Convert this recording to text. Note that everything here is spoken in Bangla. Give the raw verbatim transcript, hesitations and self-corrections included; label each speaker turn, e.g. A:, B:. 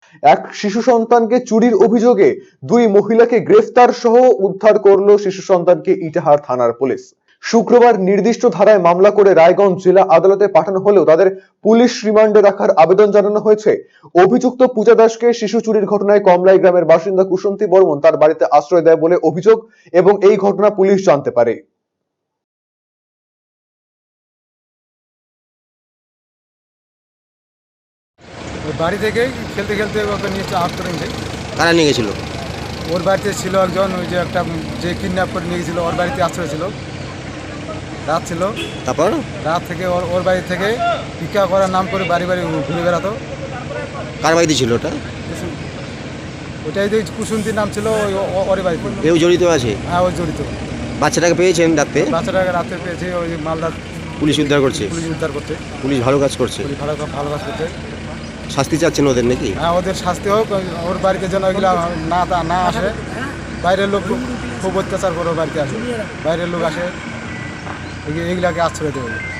A: এক শিশু সন্তানকে চুরির অভিযোগে দুই মহিলাকে গ্রেফতার সহ উদ্ধার করলো শিশু সন্তানকে ইটাহার থানার পুলিশ। শুক্রবার নির্দিষ্ট ধারায় মামলা করে রায়গঞ্জ জেলা আদালতে পাঠানো হলেও তাদের পুলিশ রিমান্ডে রাখার আবেদন জানানো হয়েছে। অভিযুক্ত পূজা দাসকে শিশু চুরির ঘটনায় কমলাই গ্রামের বাসিন্দা কুসুন্তী বর্মন তার বাড়িতে আশ্রয় দেয় বলে অভিযোগ এবং এই ঘটনা পুলিশ জানতে পারে।
B: বাড়ি থেকে খেলতে খেলতে ওকে নিয়ে আউট করে নিয়ে
C: কারা নিয়ে গেছিল?
B: ওর বাড়িতে ছিল একজন, ওই যে একটা যে কিডন্যাপ করে নিয়ে গেছিল ওর বাড়িতে আশ্রয় ছিল, রাত ছিল।
C: তারপর
B: রাত থেকে ওর ওর বাড়ি থেকে ভিক্ষা করার নাম করে বাড়ি বাড়ি ঘুরে বেড়াতো।
C: কার বাড়িতে ছিল ওটা?
B: ওটাই যে কুসুন্তির নাম ছিল ওই ওর বাড়িতে।
C: কেউ জড়িত আছে?
B: হ্যাঁ, ওই জড়িত।
C: বাচ্চাটাকে পেয়েছেন রাতে?
B: বাচ্চাটাকে রাতে পেয়েছে ওই মালদার
C: পুলিশ উদ্ধার করছে।
B: পুলিশ উদ্ধার করতে
C: পুলিশ ভালো কাজ করছে।
B: পুলিশ ভালো ভালো কাজ করতে।
C: শাস্তি চাচ্ছেন ওদের নাকি?
B: হ্যাঁ, ওদের শাস্তি হোক, ওর বাড়িতে যেন ওইগুলা না না আসে। বাইরের লোক খুব অত্যাচার করে বাড়িতে আসে, বাইরের লোক আসে, এগুলাকে আশ্রয় দেবে।